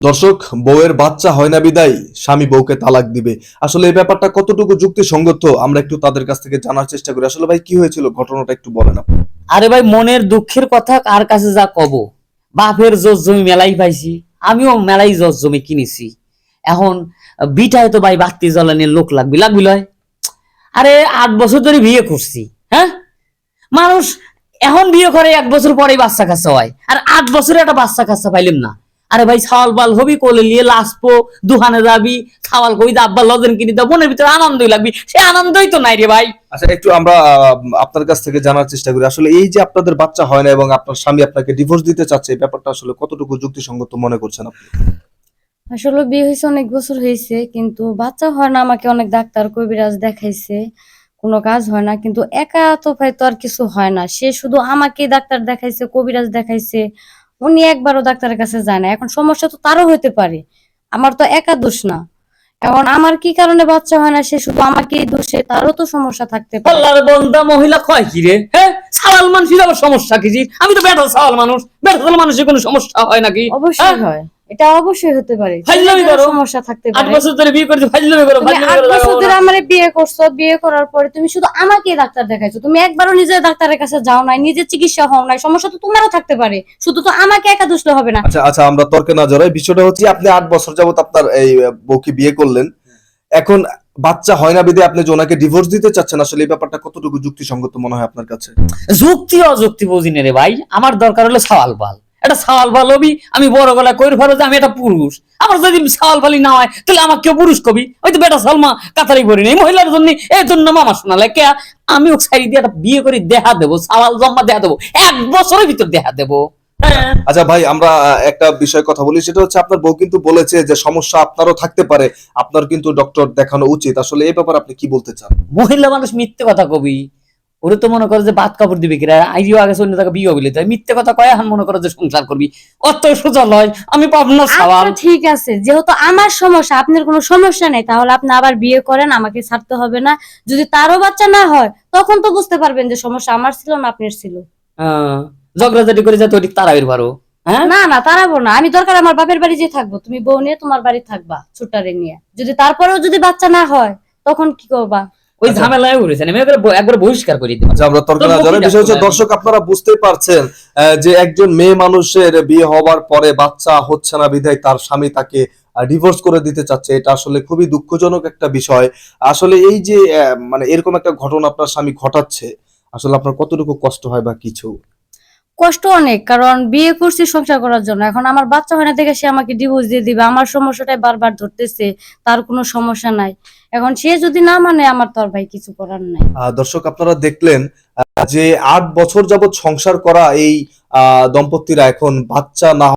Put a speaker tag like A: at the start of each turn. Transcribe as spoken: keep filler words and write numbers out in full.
A: দর্শক, বউয়ের বাচ্চা হয় না বিদায় স্বামী বউকে তালাক দিবে। আসলে এই ব্যাপারটা কতটুকু যুক্তিসঙ্গত আমরা একটু তাদের কাছ থেকে জানার চেষ্টা করি। আসলে ভাই কি হয়েছিল, ঘটনাটা একটু বলেন আপনি।
B: আরে ভাই, মনের দুঃখের কথা কার কাছে যা কব। বাপের জোর জমি মেলাই পাইছি, আমিও মেলাই জোর জমি কিনেছি। এখন বিটায় তো ভাই বাতি জ্বালানির লোক লাগবে লাগবি লয়। আরে আট বছর ধরে বিয়ে করছি, হ্যাঁ। মানুষ এখন বিয়ে করে এক বছর পরেই বাচ্চা কাচ্চা হয়, আর আট বছরে একটা বাচ্চা কাচ্চা পাইলাম না। আরে ভাই, ছাওয়াল বাল হবি, কোলে নিয়ে লাসপো, দুহানে যাবি, ছাওয়াল কই আব্বা লজেন কিনে দাও, মনের ভিতরে আনন্দই লাগবি। সে আনন্দই তো নাই রে ভাই।
A: আচ্ছা, একটু আমরা আহ, আপনার কাছ থেকে জানার চেষ্টা করি। আসলে এই যে আপনাদের বাচ্চা হয় না এবং আপনার স্বামী আপনাকে ডিভোর্স দিতে চাচ্ছে, এই ব্যাপারটা আসলে কতটুকু যুক্তিসঙ্গত মনে করছেন আপনি?
C: আসলে বিয়ে হয়েছে অনেক বছর হয়েছে, কিন্তু বাচ্চা হয় না। আমাকে অনেক ডাক্তার কবিরাজ দেখাইছে, কোনো কাজ হয় না। কিন্তু একা তো ভাই তো আর কিছু হয় না। সে শুধু আমাকে ডাক্তার দেখাইছে, কবিরাজ দেখাইছে, উনি একবারও ডাক্তারের কাছে যায় না। এখন সমস্যা তো তারও হইতে পারে, আমার তো একা দোষ না। এখন আমার কি কারণে বাচ্চা হয় না, সে শুধু আমাকেই দোষে, তারও তো সমস্যা থাকতে পারে।
B: আল্লাহর বন্দা মহিলা কয় কি রে, হ্যাঁ? সাওয়াল মানুষের আবার সমস্যা কি জি? আমি তো বেটা সাওয়াল মানুষ, বেটা সাওয়াল মানুষের কোনো সমস্যা হয় নাকি?
C: অবশ্যই হয়, এটা অবশ্যই হতে পারে,
B: ফাইজলামি করো।
C: সমস্যা থাকতে
B: আট
C: পারে।
B: বছর ধরে বিয়ে করছো, ফাইজলামি করো,
C: তুমি
B: ফাইজলামি
C: আট
B: করো,
C: বছর
B: লাগাবো
C: ধরে
B: না।
C: আমারে বিয়ে করছো, বিয়ে করার পরে তুমি শুধু আমাকেই ডাক্তার দেখাইছো, তুমি একবারও নিজের ডাক্তারের কাছে যাও নাই, নিজের চিকিৎসা হও নাই। সমস্যা তো তোমারও থাকতে পারে, শুধু তো আমাকে একা দোষলে হবে না।
A: আচ্ছা আচ্ছা, আমরা তর্কে না জড়াই। বিষয়টা হচ্ছে আপনি আট বছর যাবত আপনার এই আহ, বউকে বিয়ে করলেন, এখন বাচ্চা হয় না বিদে আপনি যে ওনাকে ডিভোর্স দিতে চাচ্ছেন, আসলে এই ব্যাপারটা কতটুকু যুক্তিসঙ্গত মনে হয় আপনার কাছে?
B: যুক্তি অযুক্তি বুঝি না রে ভাই, আমার দরকার হলো সাওয়াল বাল। এটা সাওয়াল বাল হবি, আমি বড় গলা কইর ফেলো যে আমি একটা পুরুষ। আমার যদি সাওয়াল বালি না হয়, তাহলে আমাকে কেউ পুরুষ কবি। ওই তো বেটা সালমা কাতারি করি নেই মহিলার জন্য, এই জন্য মামা শোনালে কে। আমি ও সাইড দিয়ে একটা বিয়ে করে দেখা দেবো, সাওয়াল জম্মা দেখা দেবো, এক বছরের ভিতর দেখা দেবো। হ্যাঁ।
A: আচ্ছা ভাই, আমরা আহ, একটা বিষয় কথা বলি। সেটা হচ্ছে আপনার বউ কিন্তু বলেছে যে সমস্যা আপনারও থাকতে পারে, আপনার কিন্তু ডক্টর দেখানো উচিত। আসলে এই ব্যাপারে আপনি কি বলতে চান?
B: মহিলা মানুষ মিথ্যে কথা কবি। ওরে তো মনে করে যে ভাত কাপড় দিবে কিরা, আইডিও আগে অন্য জায়গায় বিয়ে হইলে তাই মিথ্যে কথা কয়, এখন মনে করে যে সংসার করবি। অত সোজা লয়, আমি পাবনা সাওয়াল।
C: আচ্ছা ঠিক আছে, যেহেতু আমার সমস্যা, আপনার কোনো সমস্যা নেই, তাহলে আপনি আবার বিয়ে করেন, আমাকে ছাড়তে হবে না। যদি তারও বাচ্চা না হয়, তখন তো বুঝতে পারবেন যে সমস্যা আমার ছিল না আপনার ছিল।
B: হ্যাঁ, ঝগড়াঝাটি করে যাতে ওটি তারাবির পারো। হ্যাঁ,
C: না না, তারাবো না। আমি দরকার আমার বাপের বাড়ি যে থাকবো, তুমি বউ নিয়ে তোমার বাড়ি থাকবা ছোটারে নিয়ে। যদি তারপরেও যদি বাচ্চা না হয়, তখন কি করবা?
B: ওই ঝামেলায় উড়েছেন, আমি একবার একবার বহিষ্কার করে দিই।
A: আচ্ছা, আমরা তর্ক না জড়াই। বিষয় হচ্ছে দর্শক, আপনারা বুঝতেই পারছেন আহ, যে একজন মেয়ে মানুষের বিয়ে হওয়ার পরে বাচ্চা হচ্ছে না বিধায় তার স্বামী তাকে ডিভোর্স করে দিতে চাচ্ছে। এটা আসলে খুবই দুঃখজনক একটা বিষয়। আসলে এই যে আহ, মানে এরকম একটা ঘটনা আপনার স্বামী ঘটাচ্ছে, আসলে আপনার কতটুকু কষ্ট হয় বা কিছু?
C: কষ্ট অনেক, কারণ বিয়ে করছি সংসার করার জন্য। এখন আমার বাচ্চা হয় না দেখে সে আমাকে ডিভোর্স দিয়ে দিবে। আমার সমস্যাটাই বারবার ধরতেছে, তার কোনো সমস্যা নাই। এখন সে যদি না মানে, আমার তো আর ভাই কিছু করার নাই।
A: আহ, দর্শক, আপনারা দেখলেন আহ, যে আট বছর যাবত সংসার করা এই আহ দম্পতিরা এখন বাচ্চা না